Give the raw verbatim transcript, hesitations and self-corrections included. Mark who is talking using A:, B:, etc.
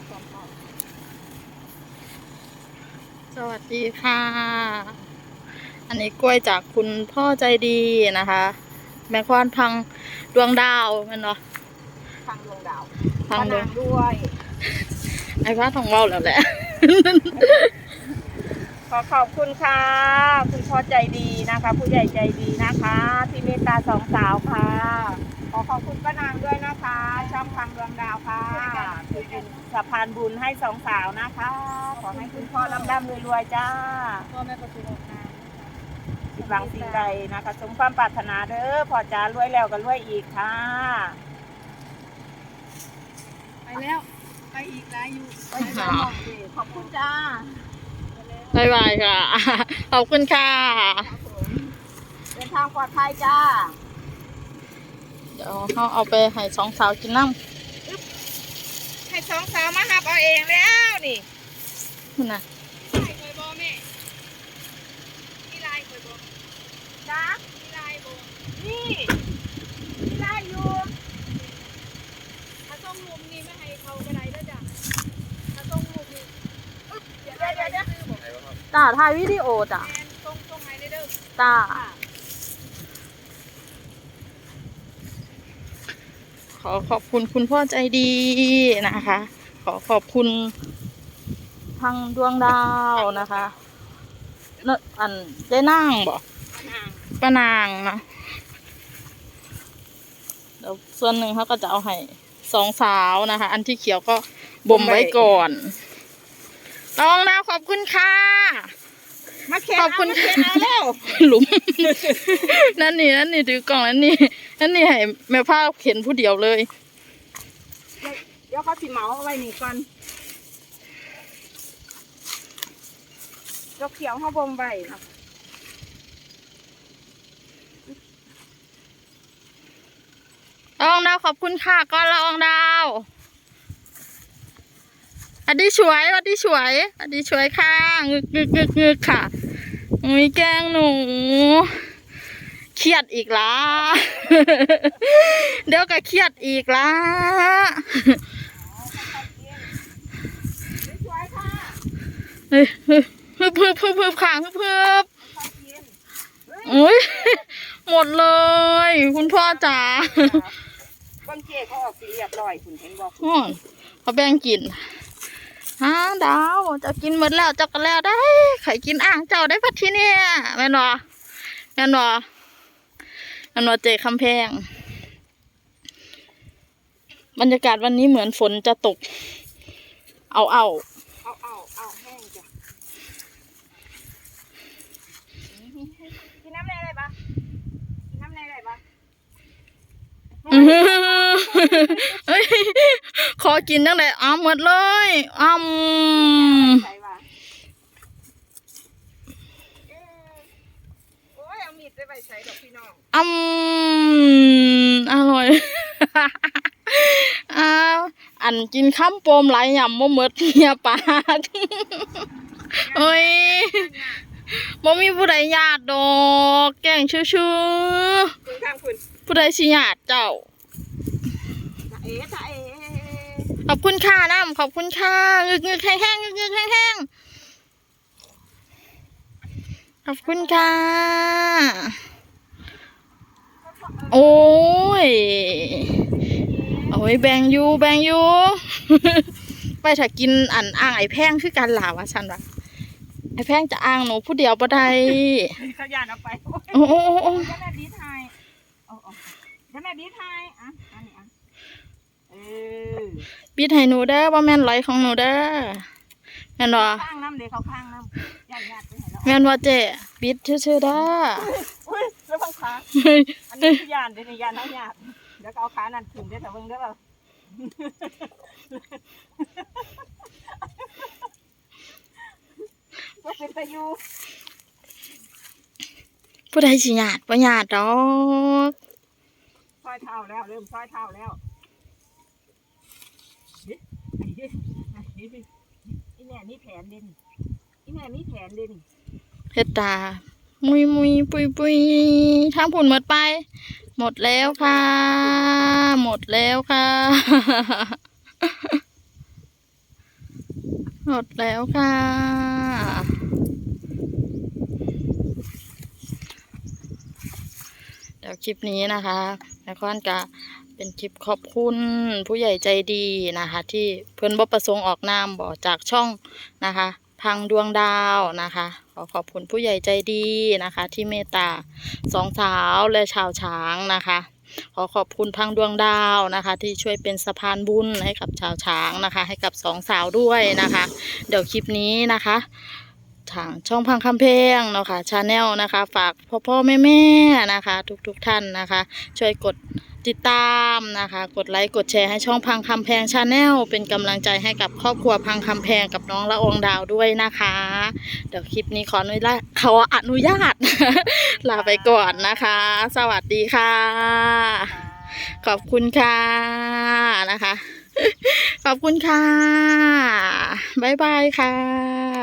A: สวัสดีค่ะ อันนี้กล้วยจากคุณพ่อใจดีนะคะ แม่ควานพังดวงดาวมันเนาะ
B: พังดวงดาว
A: พังดวง
B: ด้วย
A: ไอ้พระทองเว้าแล้วแหละ
B: ขอขอบคุณค่ะคุณพ่อใจดีนะคะผู้ใหญ่ใจดีนะคะที่เมตตาสองสาวค่ะขอขอบคุณป้านางด้วยนะคะช่องพังดวงดาวค่ะคือเป็นสะพานบุญให้สองสาวนะคะขอให้คุณพ่อร่ำร่ำรวยๆจ้า
A: พ่อแม่ประตูออกงาน
B: สิบหวังสิ่งใดนะคะสมความปรารถนาเด้อพ่อจ๋ารวยแล้วก็รวยอีกค่ะ
C: ไปแล้วไปอีกหลายอยู่ไป
B: ขอบคุณจ้า
A: บายบายค่ะ ขอบคุณค่ะ
B: เดินทางปลอดภัยจ้า
A: เดี๋ยวเขาเอาไปให้สองสาวกินน้
B: ำให้สองสาวมาหับเอาเองแล้วนี่
A: นี่นะ
C: ลายเคยบอกแม่มีลายเคยบอก
B: จ้า
C: มีลายบอก
B: นี่มีลายอยู่
C: ถ้าต้องลุมนี่ไม่ให้เขากระไดแล้วจ้ะถ้าต้องลุมนี่
B: เดี๋ยวเดี๋ยวเดี๋ยว
A: จ้าถ่ายวิดีโอจ้ะ
C: แอนตรงตรงไหนเด้อ
A: จ้าขอขอบคุณคุณพ่อใจดีนะคะ ขอขอบคุณทางดวงดาวนะคะเนอันได้นั่งบอกป้านางนะเดี๋ยวส่วนหนึ่งเขาก็จะเอาให้สองสาวนะคะ อันที่เขียวก็บ่มไว้ก่อนลองดาวขอบคุณค่ะ
B: มาเข็นขอบคุณเข็นเอาแล้ว
A: หลุมนั่นนี่นั่นนี่ถือกล่องนั่นนี่นั่นนี่ให้แม่ผ้าเข็นผู้เดียวเลย
B: เดี๋ยวเขาสิเหมาเอาไว้นี่ก่อนยกเขียวเขาบ่มไว้นะ
A: ลองดาวขอบคุณค่ะก็ลองดาวอดีช่วยอดีช่วยอดีช่วยค่ะงึกงึกงึกงึกค่ะมีแกงหนูเครียดอีกละเดี๋ยวก็เครียดอีกละเฮ้ยฮึบฮึบฮึบฮึบขางฮึบฮึบโอ้ยหมดเลยคุณพ่อจ๋า
B: บางเจ๊เขาออกสีเรียบร้อยคุณเห็นบอก
A: เขาแบ่งกินฮะดาวจะกินหมดแล้วจะกันแล้วได้ไข่กินอ่างเจ้าได้พัดที่เนี่ยแม่นวแม่นวแม่นวเจคำแพงบรรยากาศวันนี้เหมือนฝนจะตกเอาเอา
B: เอาเอาเอาแห้งจ้ะกินน้ำในอะไรปะกินน้ำในอะไรปะ
A: ขอกินตั้งแต่อ้าหมดเลยอ้ำอ้ำอร่อยอ้าวอันกินข้ามโปมไหลยำมะเมิดเฮียปากเฮ้ยบ่มีผู้ใดญาติดอกแกงชื่อชื่อผู้ใดสิญาติเจ้าขอบคุณค่ะน้ำขอบคุณค่ะงึกงึกแห้งแห้งงึกงึกแห้งแห้งขอบคุณค่ะโอ้ยโอ้ยแบงยูแบงยูไปถ้ากินอันอ่างไอ้แพงคือการหลาวะฉันวะไอ้แพงจะอ่างหนูผู้เดียวบ่ได้
B: ขยันเอาไป
A: โอ้โอ้โอ้
B: แม่บีทายโอ้โอ้แม่บีทายอ่ะอันนี้อ่ะเออ
A: บีทให้หนูเด้อว่าแม่นไหลของหนูเด้อแม่นวะ
B: ข้างน้ำเดี๋ยวเขาข้างน้ำยันยันไปไหนแล้ว
A: แม่นวะเจ๊บีทชื่อๆเด้อ
B: อุ้ยแล้วพังขาอันนี้คือยานเดี๋ยวนี้ยานเอาหยาดเดี๋ยวเอาขานั่นถึงได้แต่เบิ่งได้ป่ะว่าเป็นตะยู
A: ผู้ใดสิญาติบ่ญาติดอก
B: ซอยเท้าแล้วเริ่มซอยเท้าแล้วอีแม่นี่แผนเด่นอีแม่นี่แผนเด่น
A: เฮ็ดตามุยมุยปุยปุยทางผุนหมดไปหมดแล้วค่ะหมดแล้วค่ะหมดแล้วค่ะ เดี๋ยวคลิปนี้นะคะแม่ค้อนก็เป็นคลิปขอบคุณผู้ใหญ่ใจดีนะคะ ที่เพิ่นบ่ประสงค์ออกนามบ่จากช่องนะคะ พังดวงดาวนะคะ ขอขอบคุณผู้ใหญ่ใจดีนะคะ ที่เมตตาสองสาวและชาวช้างนะคะ ขอขอบคุณพังดวงดาวนะคะ ที่ช่วยเป็นสะพานบุญให้กับชาวช้างนะคะ ให้กับสองสาวด้วยนะคะ เดี๋ยวคลิปนี้นะคะ ทางช่องพังคำเพงเนาะค่ะชาแนลนะคะ ฝากพ่อพ่อแม่แม่นะคะ ทุกๆทท่านนะคะ ช่วยกดติดตามนะคะ กดไลค์กดแชร์ให้ช่องพังคำแพงชาแนลเป็นกำลังใจให้กับครอบครัวพังคำแพงกับน้องละอองดาวด้วยนะคะ เดี๋ยวคลิปนี้ขออนุญาตขออนุญาต ลาไปก่อนนะคะ สวัสดีค่ะ ขอบคุณค่ะนะคะ ขอบคุณค่ะ บ๊ายบายค่ะ